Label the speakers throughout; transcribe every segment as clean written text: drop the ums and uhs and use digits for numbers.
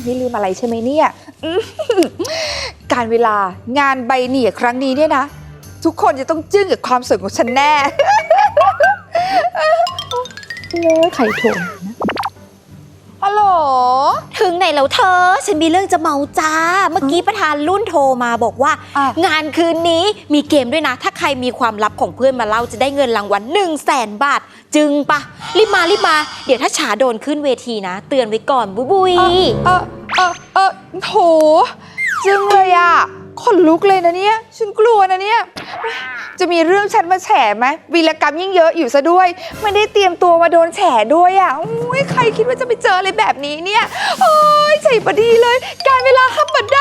Speaker 1: ไม่ลืมอะไรใช่ไหมเนี่ยการเวลางานใบเหนี่ยครั้งนี้เนี่ยนะทุกคนจะต้องจึ้งกับความสวยของฉันแน่เลยใครโทรนะฮัลโหล
Speaker 2: ถึงไหนแล้วเธอฉันมีเรื่องจะเมาจ้าเมื่อกี้ประธานรุ่นโทรมาบอกว่า งานคืนนี้มีเกมด้วยนะถ้าใครมีความลับของเพื่อนมาเล่าจะได้เงินรางวัล100,000 บาทจึงปะรีบมาเดี๋ยวถ้าฉาโดนขึ้นเวทีนะเตือนไว้ก่อนบุย
Speaker 1: โถจึงเลยอ่ะขนลุกเลยนะเนี่ยฉันกลัวนะเนี่ยจะมีเรื่องฉันมาแฉไหมวีรกรรมยิ่งเยอะอยู่ซะด้วยไม่ได้เตรียมตัวมาโดนแฉด้วยอ่ะโอ้ยใครคิดว่าจะไปเจออะไรแบบนี้เนี่ยโอ้ยใจพอดีเลยการเวลาห้ามบันได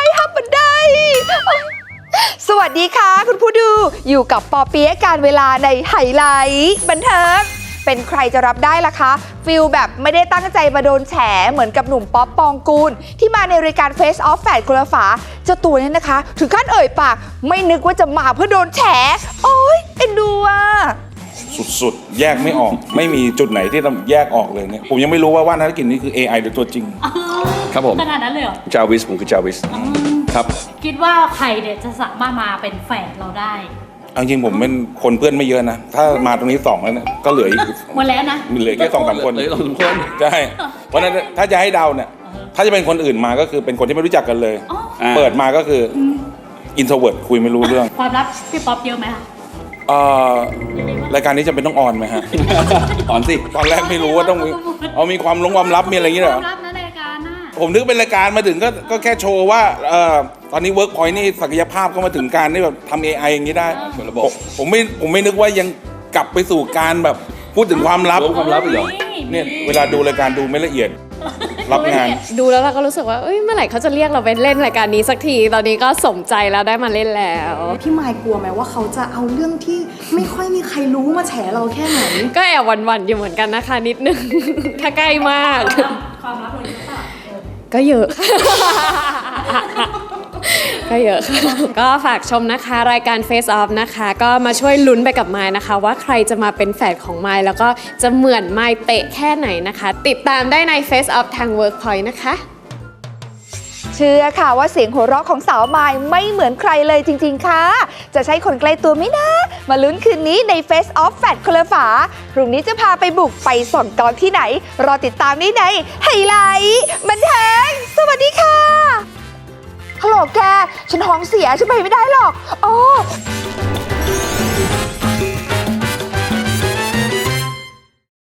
Speaker 1: สวัสดีค่ะคุณผู้ดูอยู่กับปอเปี๊ยะการเวลาในไฮไลท์บันเทิงเป็นใครจะรับได้ล่ะคะฟิลแบบไม่ได้ตั้งใจมาโดนแฉเหมือนกับหนุ่มป๊อปปองกูลที่มาในรายการ Face Off แฝดคนละฝาเจ้าตัวนี้นะคะถึงขั้นเอ่ยปากไม่นึกว่าจะมาเพื่อโดนแฉโอ๊ยเอ็นดูอ่ะ
Speaker 3: สุดๆแยกไม่ออกไม่มีจุดไหนที่ต้องแยกออกเลยเนี่ยผมยังไม่รู้ว่าว่านธนกิจนี่คือ AI หรือตัวจริง
Speaker 4: ครับผม
Speaker 5: ขนาดนั้นเลยเหรอ
Speaker 4: จาวิสผมคือจาวิสครับ
Speaker 5: คิดว่าใครเนี่ยจะสามารถมาเป็นแฝดเราได้
Speaker 3: เอาจริงผมเป็นคนเพื่อนไม่เยอะนะถ้ามาตรงนี้2แล้วเนี่ยก็เหลืออีก
Speaker 5: หมดแล้วนะ
Speaker 3: มีเหลือแค่2-3 คน
Speaker 4: เหลือ2-3 คน
Speaker 3: ใช่เพราะฉะนั้นถ้าจะให้เดาเนี่ยถ้าจะเป็นคนอื่นมาก็คือเป็นคนที่ไม่รู้จักกันเลยเปิดมาก็คืออินโทรเวิร์ตคุยไม่รู้เรื่อง
Speaker 5: ความลับพี่ป๊อปเยอะไหมคะ
Speaker 3: รายการนี้จำเป็นต้องออนไหมฮะ
Speaker 4: ออนสิ
Speaker 3: ตอนแรกไม่รู้ว่าต้องมีความลับมีอะไรอย่างเงี้ยเหรอ
Speaker 5: ความลับนะรายการน่ะ
Speaker 3: ผมนึกเป็นรายการมาถึงก็แค่โชว์ว่าตอนนี้ Workpoint นี่ศักยภาพก็มาถึงการที่แบบทำ AI อย่างนี้ได้ผมไม่นึกว่ายังกลับไปสู่การแบบพูดถึงความลับ
Speaker 4: อีกเหรอ
Speaker 3: เนี่ยเวลาดูรายการดูไม่ละเอียดรับงาน
Speaker 6: ดูแล้วเราก็รู้สึกว่าเมื่อไหร่เขาจะเรียกเราไปเล่นรายการนี้สักทีตอนนี้ก็สมใจแล้วได้มาเล่นแล้ว
Speaker 7: พี่มายกลัวไหมว่าเขาจะเอาเรื่องที่ไม่ค่อยมีใครรู้มาแฉเราแค่ไหน
Speaker 6: ก็แอบหวั่นๆอยู่เหมือนกันนะคะนิดนึงถ้าใกล้มาก
Speaker 5: ความลับเลยหรือเปล่า
Speaker 6: ก็เยอะก็เยอะก็ฝากชมนะคะรายการ Face Off นะคะก็มาช่วยลุ้นไปกับไมล์นะคะว่าใครจะมาเป็นแฝดของไมล์แล้วก็จะเหมือนไมล์เป๊ะแค่ไหนนะคะติดตามได้ใน Face Off ทาง Workpoint นะคะ
Speaker 1: เชื่อค่ะว่าเสียงหัวเราะของสาวมายไม่เหมือนใครเลยจริงๆค่ะจะใช่คนใกล้ตัวไหมนะมาลุ้นคืนนี้ใน Face Off แฟดคนละฝาพรุ่งนี้จะพาไปบุกไปส่องกองที่ไหนรอติดตามได้ในไฮไลท์บันเทิงสวัสดีค่ะฮัลโหลแกฉันท้องเสียฉันไปไม่ได้หรอก